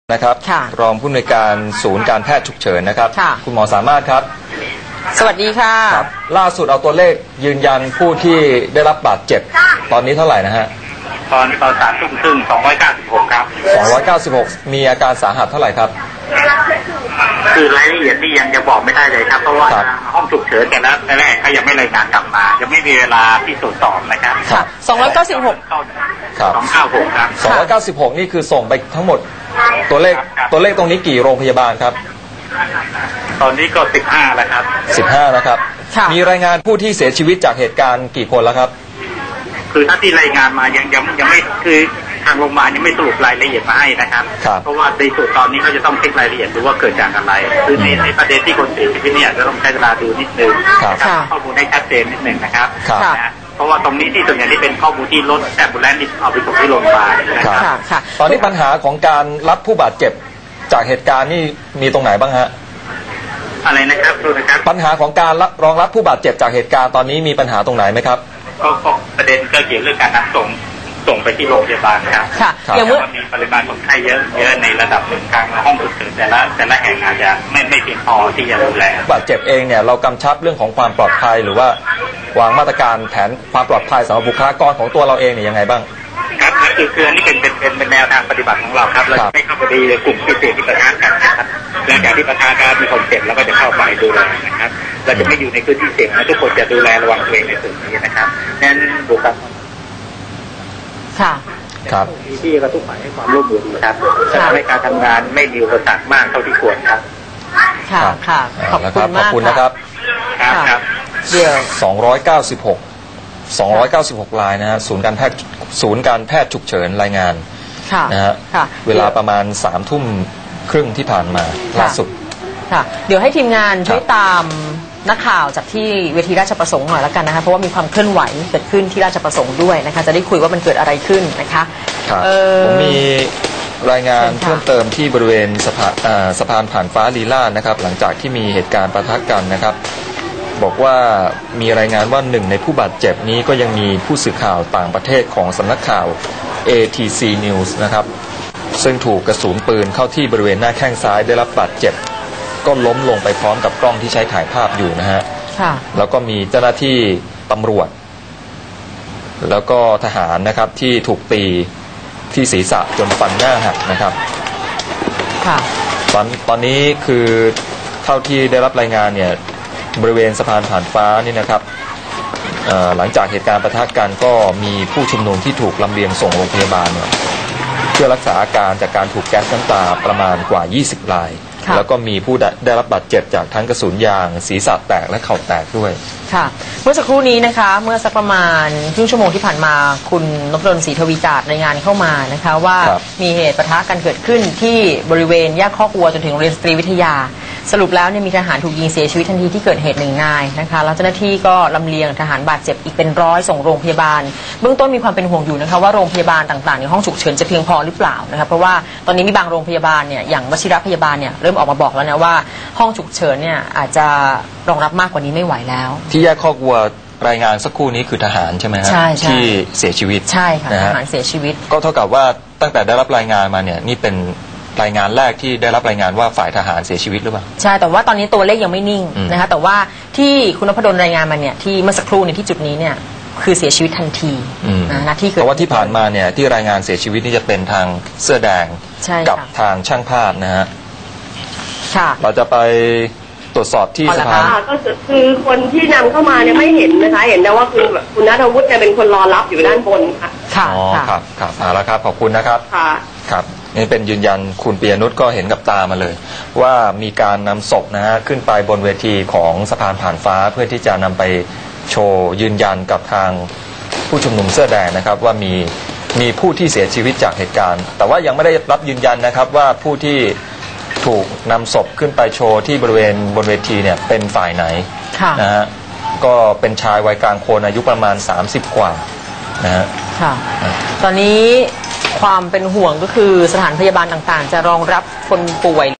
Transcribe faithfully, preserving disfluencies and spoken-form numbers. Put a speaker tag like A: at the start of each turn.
A: นะครับรองผู้อำนวยการศูนย์การแพทย์ฉุกเฉินนะครับคุณหมอสามารถครับ
B: สวัสดีค่ะ
A: ล่าสุดเอาตัวเลขยืนยันผู้ที่ได้รับบาดเจ็บตอนนี้เท่าไหร่นะฮะ
C: ตอนตอนสามทุ่มครึ่งสองร้อยเก้าสิบหกครับ
A: สองร้อยเก้าสิบหกมีอาการสาหัสเท่าไหร่ครับ
C: คือรายละเอียดนี่ยังจะบอกไม่ได้เลยครับเพราะว่าห้องฉุกเฉินแต่ละแต่แรกเขายังไม่รายงานกลับมายังไม่มีเวลาที่ตรวจสอบนะครับ
B: ค่ะสองร้อยเก้าสิบหก
A: ครับ
C: สองเก้าหกครับ
A: สองร้อยเก้าสิบหกนี่คือส่งไปทั้งหมดตัวเลขตัวเลขตรงนี้กี่โรงพยาบาลครับ
C: ตอนนี้ก็สิบห้าแล้วครับ
A: สิบห้านะครับมีรายงานผู้ที่เสียชีวิตจากเหตุการณ์กี่คนแล้วครับ
C: คือถ้าที่รายงานมายังยังยังไม่คือทางโรงพยาบาลยังไม่สรุปรายละเอียดมาให้นะครับเพราะว่าในส่วนตอนนี้เขาจะต้องเช็ครายละเอียดดูว่าเกิดจากอะไรคือในในประเด็นที่คนเสียชีวิตเนี่ยจะต้องใช้เวลาดูนิดนึงนะครับข้อมูลให้ชัดเจนนิดนึงนะครับนะเพราะว่าตรงนี้ที่ส่วนใหญ่ที่เป็นข้อมูลที่รถแอมบูเลนซ์ที่เอาไปส่งที่โรงพยาบาลนะครับ
A: ตอนนี้ปัญหาของการรับผู้บาดเจ็บจากเหตุการณ์นี่มีตรงไหนบ้างฮะ
C: อะไรนะครับดูนะครับ
A: ปัญหาของการรองรับผู้บาดเจ็บจากเหตุการณ์ตอนนี้มีปัญหาตรงไหนไหมครับ
C: ก็ประเด็นก็เกี่ยวเรื่องการนำส่งส่งไปที่โรงพยาบาลครับ
B: ค่ะ
C: อย่างเมื่อมีปริมาณคนไข้เยอะเยอะในระดับหนึ่งทางห้องฉุกเฉินแต่ละแต่ละแห่งอาจจะไม่ไม่เพียงพอที่จะดูแล
A: บาดเจ็บเองเนี่ยเรากำชับเรื่องของความปลอดภัยหรือว่าวางมาตรการแผนความปลอดภัยสำหรับบุคลากรของตัวเราเองเนี่ยยังไงบ้าง
C: ครับคือคืออันนี้เป็นเป็นเป็นเป็นแนวทางปฏิบัติของเราครับเราไม่เข้าไปดีกลุ่มที่เสี่ยงที่ประทะกันนะครับหลังจากที่ประทะกันมีคนเจ็บแล้วก็จะเข้าไปดูแลนะครับเราจะไม่อยู่ในพื้นที่เสี่ยงนะทุกคนจะดูแลระวังตัวเองในส่วนนี้นะครับนั้นบุคลากร
B: ค่ะ
A: ครับ
C: ที่กระทุกฝ่ายให้ความร่วมมือนะครับจะทำให้การทำงานไม่มีอุปสรรคมากเท่าที่ควรครับ
B: ค่ะค่ะขอบคุณมาก
A: ขอบคุณนะครับ
C: ครับ
A: เดี๋ยวสองร้อยเก้าสิบหกสองร้อยเก้าสิบหกรายนะฮะศูนย์การแพทย์ศูนย์การแพทย์ฉุกเฉินรายงานนะฮะเวลาประมาณสามทุ่มครึ่งที่ผ่านมาล่าสุด
B: ค่ะเดี๋ยวให้ทีมงานช่วยตามนักข่าวจากที่เวทีราชประสงค์หน่อยแล้วกันนะคะเพราะว่ามีความเคลื่อนไหวเกิดขึ้นที่ราชประสงค์ด้วยนะคะจะได้คุยว่ามันเกิดอะไรขึ้นนะคะ
A: ผมมีรายงานเพิ่มเติมที่บริเวณสะพานสะพานผ่านฟ้าลีลาศนะครับหลังจากที่มีเหตุการณ์ปะทะกันนะครับบอกว่ามีรายงานว่าหนึ่งในผู้บาดเจ็บนี้ก็ยังมีผู้สื่อข่าวต่างประเทศของสำนักข่าว เอ ที ซี News นะครับซึ่งถูกกระสุนปืนเข้าที่บริเวณหน้าแข้งซ้ายได้รับบาดเจ็บก็ล้มลงไปพร้อมกับกล้องที่ใช้ถ่ายภาพอยู่นะฮะแล้วก็มีเจ้าหน้าที่ตำรวจแล้วก็ทหารนะครับที่ถูกตีที่ศีรษะจนฟันหน้าหักนะครับตอนตอนนี้คือเท่าที่ได้รับรายงานเนี่ยบริเวณสะพานผ่านฟ้านี่นะครับหลังจากเหตุการณ์ปะทะกันก็มีผู้ชุมนุมที่ถูกลำเลียงส่งโรงพยาบาลเนี่ยเพื่อรักษาอาการจากการถูกแก๊สน้ำตาประมาณกว่ายี่สิบรายแล้วก็มีผู้ได้รับบาดเจ็บจากทั้งกระสุนยางศีรษะแตกและเข่าแตกด้วย
B: ค่ะเมื่อสักครู่นี้นะคะเมื่อสักประมาณครึ่งชั่วโมงที่ผ่านมาคุณนพดลศรีทวีจาดรายงานเข้ามานะคะว่ามีเหตุปะทะกันเกิดขึ้นที่บริเวณแยกคอกวัวจนถึงโรงเรียนสตรีวิทยาสรุปแล้วเนี่ยมีทหารถูกยิงเสียชีวิตทันทีที่เกิดเหตุหนึ่งนายนะคะแล้วเจ้าหน้าที่ก็ลำเลียงทหารบาดเจ็บอีกเป็นร้อยส่งโรงพยาบาลเบื้องต้นมีความเป็นห่วงอยู่นะคะว่าโรงพยาบาลต่างๆในห้องฉุกเฉินจะเพียงพอหรือเปล่านะคะเพราะว่าตอนนี้มีบางโรงพยาบาลเนี่ยอย่างวชิรพยาบาลเนี่ยเริ่มออกมาบอกแล้วนะว่าห้องฉุกเฉินเนี่ยอาจจะรองรับมากกว่านี้ไม่ไหวแล้ว
A: ที่แยกคอกวัวรายงานสักครู่นี้คือทหารใช่ไหมฮะที่เสียชีวิต
B: ใช่ค่ะทหารเสียชีวิต
A: ก็เท่ากับว่าตั้งแต่ได้รับรายงานมาเนี่ยนี่เป็นรายงานแรกที่ได้รับรายงานว่าฝ่ายทหารเสียชีวิตหรือเปล่า
B: ใช่แต่ว่าตอนนี้ตัวเลขยังไม่นิ่งนะคะแต่ว่าที่คุณนพดลรายงานมาเนี่ยที่เมื่อสักครู่ในที่จุดนี้เนี่ยคือเสียชีวิตทันทีนะที่
A: เพราะว่าที่ผ่านมาเนี่ยที่รายงานเสียชีวิตนี่จะเป็นทางเสื้อแดงกับทางช่างภาพนะฮะเราจะไปตรวจสอบที่สภา
D: ก็คือคนที่นำเข้ามาเนี่ยไม่เห็นนะคะเห็นแต่ว่าคุณคุณณัฐวุฒิเนี่ยเป็นคนรอรับอยู่ด้านบนค่ะ
B: ค่ะ
A: อ๋อครับครับเอาละครับขอบคุณนะครับ
D: ค่ะ
A: ครับนี่เป็นยืนยันคุณปียนุชก็เห็นกับตามาเลยว่ามีการนำศพนะฮะขึ้นไปบนเวทีของสะพานผ่านฟ้าเพื่อที่จะนำไปโชว์ยืนยันกับทางผู้ชุมนุมเสื้อแดงนะครับว่ามีมีผู้ที่เสียชีวิตจากเหตุการณ์แต่ว่ายังไม่ได้รับยืนยันนะครับว่าผู้ที่ถูกนำศพขึ้นไปโชว์ที่บริเวณบนเวทีเนี่ยเป็นฝ่ายไหนนะฮะก็เป็นชายวัยกลางคนอายุประมาณสามสิบกว่านะฮะ
B: ค่ะตอนนี้ความเป็นห่วงก็คือสถานพยาบาลต่างๆจะรองรับคนป่วย